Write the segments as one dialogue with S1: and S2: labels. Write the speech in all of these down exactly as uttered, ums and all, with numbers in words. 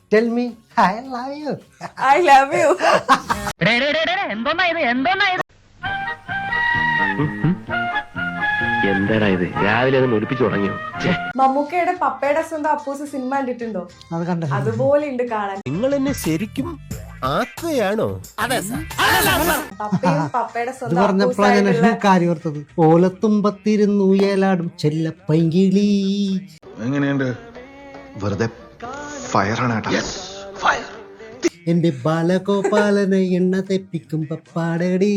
S1: tell me I love you.
S2: I love you.
S3: എന്താടാ ഇത് രാവിലെ ഒന്ന് ഒലിപ്പിച്ചു തുടങ്ങിയോ?
S2: മമ്മൂക്കയുടെ പപ്പയുടെ സ്വന്തം അപ്പൂസ് സിനിമ കണ്ടിട്ടുണ്ടോ?
S1: അത് കണ്ടോ?
S2: അതുപോലെ ഉണ്ട് കാണാൻ.
S4: നിങ്ങൾ എന്നെ ശരിക്കും ആക്കുകയാണോ?
S2: പപ്പയും പപ്പയുടെ
S1: ഇത്
S2: സ്വന്തം
S1: പറഞ്ഞപ്പോഴാണ് കാര്യം ഓർത്തത്. ഓലത്തുമ്പത്തിരുന്നു ഏലാടും ചെല്ലപ്പൈങ്കിളി.
S5: എങ്ങനെയുണ്ട്? വെറുതെ ഫയറാണ് കേട്ടോ.
S1: എന്റെ ബാലഗോപാലനെ എണ്ണ തെപ്പിക്കും പപ്പാടടി.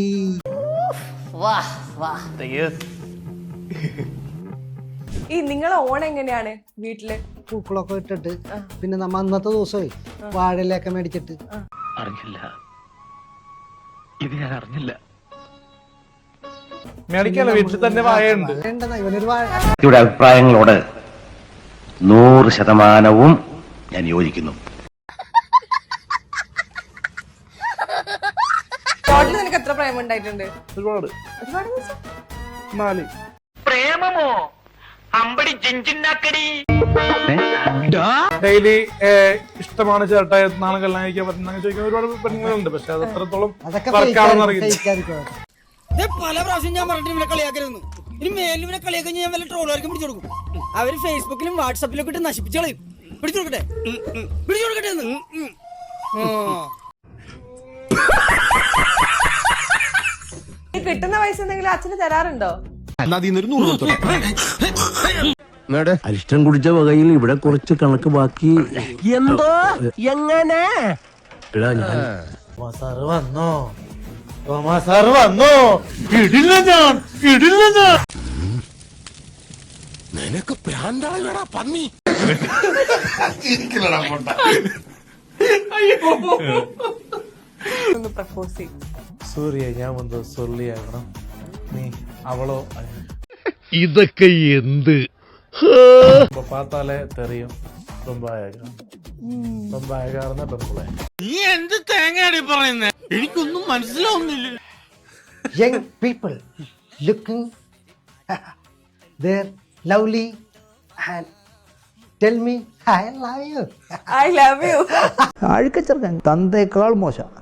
S2: ഈ നിങ്ങളെ ഓണം എങ്ങനെയാണ് വീട്ടില്?
S1: പൂക്കളൊക്കെ ഇട്ടിട്ട് പിന്നെ നമ്മ അന്നത്തെ ദിവസമേ വാഴയിലൊക്കെ മേടിച്ചിട്ട്.
S3: അറിഞ്ഞില്ല, ഇത് ഞാൻ അറിഞ്ഞില്ല.
S6: മേടിക്കാലോ, വീട്ടിൽ തന്നെ വാഴയുണ്ട്.
S1: ഇവനൊരു വാഴ.
S3: ഇവിടെ അഭിപ്രായങ്ങളോട് നൂറ് ശതമാനവും ഞാൻ യോജിക്കുന്നു.
S2: ടോട്ടൽ നിനക്ക് എത്ര പ്രേമം ഉണ്ടായിട്ടുണ്ട്?
S6: ഒരുപാട്.
S2: ഒരുപാട് ദിവസം?
S6: നാല്.
S7: പ്രേമമോ? അമ്പടി ജിഞ്ചിന്നാക്കടി.
S6: ഡെയിലി ഇഷ്ടമാണ് ചേട്ടാ, നാളെ കല്യാണം കഴിക്കാൻ പറ്റുന്ന ചോദിക്കുന്ന ഒരുപാട് പെണ്ണുങ്ങളുണ്ട്. പക്ഷെ അത് എത്രത്തോളം വർക്കാണെന്ന് അറിയില്ല.
S8: പല പ്രാവശ്യം ഞാൻ പറഞ്ഞിട്ട് ഇവനെ കളിയാക്കരുന്നു. ഇനി മേലിൽ ഇവനെ കളിയാക്കി ഞാൻ വല്ല ട്രോളുകാർക്കും പിടിച്ചു കൊടുക്കും. അവര് ഫേസ്ബുക്കിലും വാട്സാപ്പിലും ഒക്കെ ഇട്ട് നശിപ്പിച്ചു കളയും. പിടിച്ചു കൊടുക്കട്ടെ, പിടിച്ചു കൊടുക്കട്ടെ എന്ന്.
S2: ഈ കിട്ടുന്ന പൈസ എന്തെങ്കിലും അച്ഛന് തരാറുണ്ടോ?
S4: അരിഷ്ടം കുടിച്ച വകയിൽ ഇവിടെ കുറച്ച് കണക്ക് ബാക്കി. എന്തോ എങ്ങനെ
S1: സാറ് വന്നോ?
S6: സാറ് വന്നോ? ഇടില്ല ഞാൻ, ഇടില്ല ഞാൻ.
S4: നിനക്ക് പ്രാന്താളാ പന്നി.
S2: ഒന്ന് പ്രപ്പോസ് ചെയ്യും.
S6: സൂര്യ, ഞാൻ വന്ന് സൊല്ലിയാകണം, നീ അവളോ?
S4: ഇതൊക്കെ എന്ത്
S6: പാത്താലെ തെറിയും. ரொம்ப அழகா ரொம்ப அழகான പെൺപിള്ളേ.
S8: നീ എന്ത് തേങ്ങയാടി പറയുന്നേ? എനിക്കൊന്നും മനസ്സിലാവുന്നില്ല.
S1: Young people looking they're lovely and tell me I love you.
S2: I love you.
S9: അഴുക്കച്ചെറുക്കൻ തന്തേക്കാൾ മോശം.